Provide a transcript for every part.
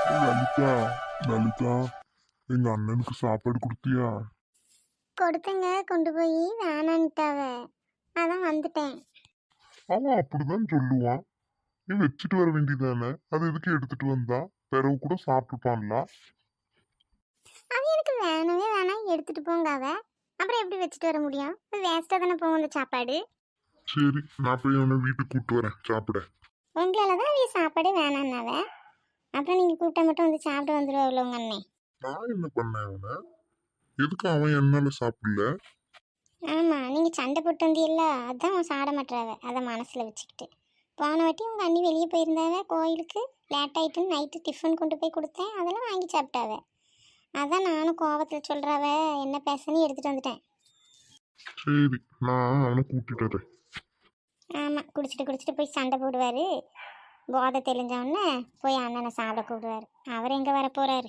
லலிதா, லலிதா, எங்க அண்ணனுக்கு சாப்பாடு கொடுத்தியா? கொடுத்தங்க, கொண்டு போய் வேணான்ட்டாவ. அதான் வந்துட்டேன். அவன் அப்படிதான் சொல்லுவான். நீ வச்சுட்டு வர வேண்டியதானே, அது எதுக்கு எடுத்துட்டு வந்தா? பிறகு கூட சாப்பிட்டுப்பான்ல. அவ எனக்கு வேணவே வேணாம், எடுத்துட்டு போங்க அவ. அப்புறம் எப்படி வச்சுட்டு வர முடியும்? வேஸ்டா தானே போகும் அந்த சாப்பாடு. சரி, நான் போய் அவனை வீட்டுக்கு கூப்பிட்டு வரேன் சாப்பிட. உங்களால தான் அவ சாப்பாடே வேணான்னாவ. அப்புறம் நீங்க கூப்பிட்டா மட்டும் வந்து சாப்பிட்டு வந்துடுவாள் உங்க அண்ணன். நான் என்ன பண்ணேன் அவனை? எதுக்கு அவன் என்னால சாப்பிடல? ஆமா, நீங்க சண்டை போட்டு வந்தீல்ல, அதான் அவன் சாட மாட்டாவ. அதை மனசுல வச்சுக்கிட்டு போன வாட்டி உங்க அண்ணி வெளியே போயிருந்தாவ கோயிலுக்கு. லேட் ஆயிட்டுன்னு நைட்டு டிஃபன் கொண்டு போய் கொடுத்தேன், அதெல்லாம் வாங்கி சாப்பிட்டாவ. அதான் நானும் கோவத்தில் சொல்கிறாவ என்ன பேசன்னு எடுத்துகிட்டு வந்துட்டேன். சரி, நான் அவனை கூட்டிட்டு வரேன். ஆமாம், குடிச்சிட்டு போய் சண்டை போடுவார். போதை தெளிஞ்சவொடனே போய் அண்ணனை சாப்பிட கூப்பிடுவார். அவர் எங்கே வர போகிறாரு?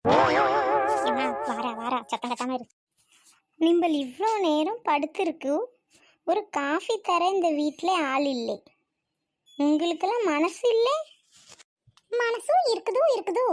வாரா சத்தம் கட்டாமல் இருக்கு. நிம்பல் இவ்வளோ நேரம் படுத்திருக்கு. ஒரு காஃபி தர இந்த வீட்டில் ஆள் இல்லை. உங்களுக்கெல்லாம் மனசு இல்லை? மனசும் இருக்குதோ.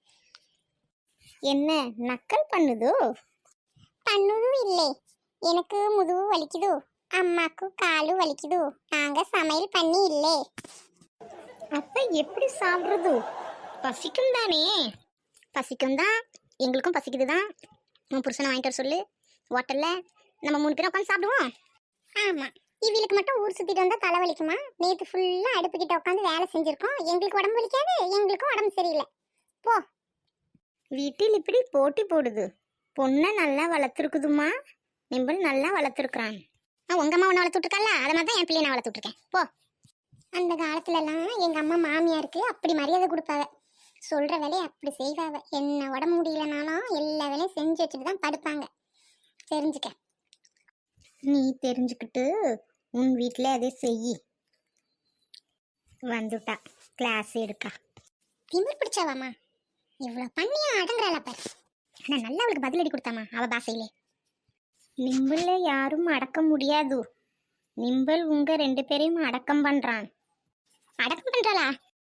என்ன நக்கல் பண்ணுதோ? பண்ணுதும் இல்லை. எனக்கு முதுகு வலிக்குதோ, அம்மாக்கு காலு வலிக்குதோ, நாங்கள் சமையல் பண்ணி இல்லை. அப்போ எப்படி சாப்பிட்றது? பசிக்கும் தானே? பசிக்கும் தான், எங்களுக்கும் பசிக்குது தான். உன் புருஷனை வாங்கிட்டு வர சொல்லு, ஹோட்டலில் நம்ம 3 பேரும் உட்காந்து சாப்பிடுவோம். ஆமாம், இவளுக்கு மட்டும் ஊர் சுற்றிட்டு வந்தால் தலை வலிக்குமா? நேற்று ஃபுல்லாக அடுப்புக்கிட்ட உட்காந்து வேலை செஞ்சுருக்கோம். எங்களுக்கு உடம்பு வலிக்காது, எங்களுக்கும் உடம்பு சரியில்லை. போ. வீட்டில் இப்படி போட்டி போடுது. பொண்ணை நல்லா வளர்த்துருக்குதுமா. நிம்பல் நல்லா வளர்த்துருக்குறான். உங்கள் அம்மா ஒன்று வளர்த்துட்ருக்கல, அதை மாதிரி தான் என் பிள்ளையை நான் வளர்த்துட்ருக்கேன். போ. அந்த காலத்துலலாம் எங்கள் அம்மா மாமியாருக்கு அப்படி மரியாதை கொடுப்பாவ. சொல்கிற வேலையை அப்படி செய்வாவ. என்ன உடம்பு முடியலனாலும் எல்லா வேலையும் செஞ்சு வச்சுட்டு தான் படுப்பாங்க. தெரிஞ்சுக்க. நீ தெரிஞ்சுக்கிட்டு உன் வீட்டில் அதை செய். வந்துட்டா கிளாஸ் எடுக்கா. திமிர் பிடிச்சவாமா, இவ்வளோ பண்ணியா அடங்குறாளா பாரு. ஆனால் நல்லா அவளுக்கு பதிலடி கொடுத்தாமா அவள் பாசையிலே. நிம்பல்ல யாரும் அடக்க முடியாது. நிம்பல் உங்க 2 பேரையும் அடக்கம் பண்றான். அடக்கம் பண்றாளா?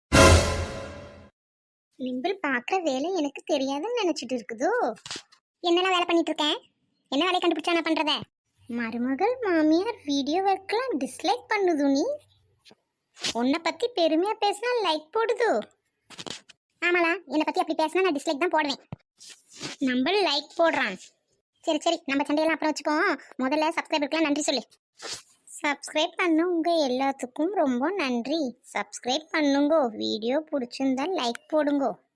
நிம்பல் பார்க்குற வேலை எனக்கு தெரியாதுன்னு நினைச்சிட்டு இருக்குதோ? என்னெல்லாம் வேலை பண்ணிட்டு இருக்கேன்? என்ன வேலையை கண்டுபிடிச்சா நான் பண்றத? மருமகள் மாமியார் வீடியோ ஒர்க்லாம் டிஸ்லைக் பண்ணுது. நீ உன்னை பத்தி பெருமையா பேசினா லைக் போடுது. ஆமாலா, என்னை பத்தி அப்படி பேசினா நான் டிஸ்லைக் தான் போடுவேன். நம்ம லைக் போடுறான். சரி, நம்ம சண்டையெல்லாம் அப்புறம் வச்சுக்கோம். முதல்ல சப்ஸ்கிரைபருக்குலாம் நன்றி சொல்லு. சப்ஸ்கிரைப் பண்ணுங்க, எல்லாத்துக்கும் ரொம்ப நன்றி. சப்ஸ்கிரைப் பண்ணுங்க. வீடியோ பிடிச்சிருந்தா லைக் போடுங்க.